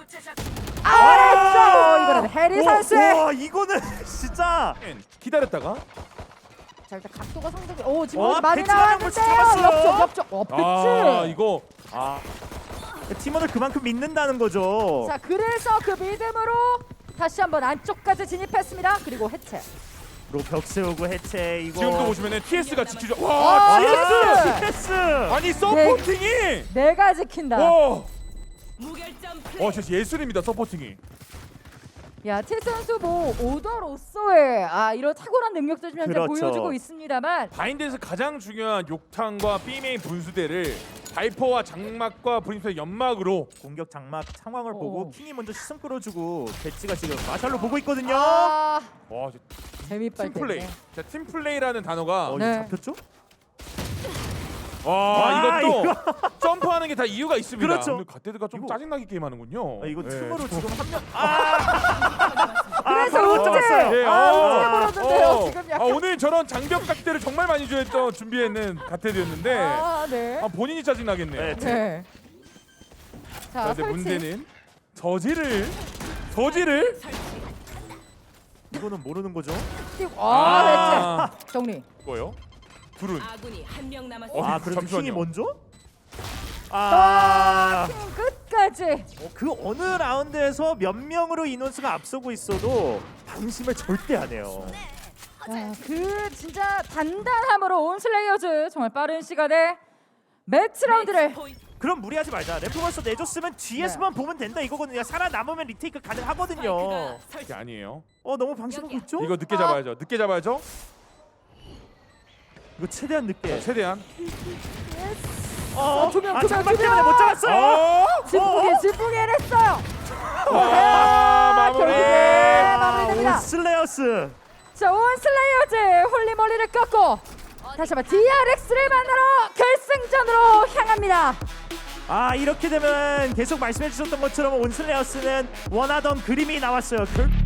Speaker 2: 아래쪽 이번에는 해리 선수의.
Speaker 3: 와 이거는 진짜.
Speaker 1: 기다렸다가
Speaker 2: 자, 일단 각도가 상당히 지금
Speaker 3: 와,
Speaker 2: 많이
Speaker 3: 배치 나간 걸
Speaker 2: 나왔는데요.
Speaker 3: 잡았어요.
Speaker 2: 옆쪽. 배치.
Speaker 1: 이거
Speaker 3: 팀원을 그만큼 믿는다는 거죠.
Speaker 2: 자, 그래서 그 믿음으로 다시 한번 안쪽까지 진입했습니다. 그리고 해체.
Speaker 3: 그리고 벽 세우고 해체 이거.
Speaker 1: 지금도 보시면은 TS가 지키죠.
Speaker 2: 아,
Speaker 1: 와,
Speaker 2: TS!
Speaker 3: TS.
Speaker 1: 아니 서포팅이
Speaker 2: 내가 지킨다.
Speaker 1: 와,
Speaker 4: 무결점 플레이.
Speaker 1: 진짜 예술입니다 서포팅이.
Speaker 2: 야, 티 선수 뭐 오더로서의 이런 탁월한 능력도 좀 현재
Speaker 3: 그렇죠.
Speaker 2: 보여주고 있습니다만
Speaker 1: 바인드에서 가장 중요한 욕탕과 B메인 분수대를 바이퍼와 장막과 브림스의 연막으로
Speaker 3: 공격 장막 상황을
Speaker 2: 오.
Speaker 3: 보고 킹이 먼저 시선 끌어주고 배치가 지금 마샬로 보고 있거든요.
Speaker 1: 와
Speaker 2: 재미빨
Speaker 1: 팀플레이.
Speaker 2: 때문에.
Speaker 1: 자 팀플레이라는 단어가
Speaker 3: 이거
Speaker 2: 네.
Speaker 3: 잡혔죠?
Speaker 1: 와 이것도 점프하는 게 다 이유가 있습니다.
Speaker 3: 그렇죠.
Speaker 1: 근데 갓데드가 좀
Speaker 3: 이거-
Speaker 1: 짜증나게 게임하는군요.
Speaker 3: 이거
Speaker 1: 예.
Speaker 3: 틈으로 지금 한 명.
Speaker 2: 그래서
Speaker 3: 못
Speaker 2: 어째-
Speaker 3: 잡았어요.
Speaker 1: 예,
Speaker 2: 어떻게 벌었는데요, 지금 약간.
Speaker 1: 오늘 저런 장벽 각대를 정말 많이 준비했는 갓데드였는데
Speaker 2: 네.
Speaker 1: 본인이 짜증나겠네요.
Speaker 3: 네.
Speaker 2: 네.
Speaker 1: 자,
Speaker 2: 자,
Speaker 1: 근데
Speaker 2: 설치.
Speaker 1: 문제는 저지를
Speaker 3: 이거는 모르는 거죠?
Speaker 2: 띄고.
Speaker 1: 아.
Speaker 2: 배치. 정리.
Speaker 1: 뭐요? 둘은
Speaker 4: 아군이 한명 남았어.
Speaker 1: 어,
Speaker 3: 그래도
Speaker 1: 잠시만요.
Speaker 3: 킹이 먼저?
Speaker 2: 팀 끝까지.
Speaker 3: 그 어느 라운드에서 몇 명으로 인원수가 앞서고 있어도 방심을 절대 안 해요.
Speaker 2: 그 진짜 단단함으로 온 슬레이어즈 정말 빠른 시간에 매치 라운드를
Speaker 3: 그럼 무리하지 말자. 래프버스 내줬으면 뒤에서만 보면 된다 이거거든요. 살아남으면 리테이크 가능하거든요.
Speaker 1: 이게 아니에요.
Speaker 3: 너무 방심하고 있죠?
Speaker 1: 이거 늦게 잡아야죠. 늦게 잡아야죠.
Speaker 3: 이거 최대한 늦게.
Speaker 1: 최대한.
Speaker 2: 두 명,
Speaker 3: 장막
Speaker 2: 두 명.
Speaker 3: 때문에 못 잡았어요.
Speaker 2: 질풍이 해냈어요.
Speaker 1: 마무리.
Speaker 2: 결국에 마무리됩니다.
Speaker 3: 슬레어스.
Speaker 2: 자, 온 슬레이어즈 홀리몰리를 꺾고 다시 한번 DRX를 만나러 결승전으로 향합니다.
Speaker 3: 이렇게 되면 계속 말씀해 주셨던 것처럼 온 슬레어스는 원하던 그림이 나왔어요.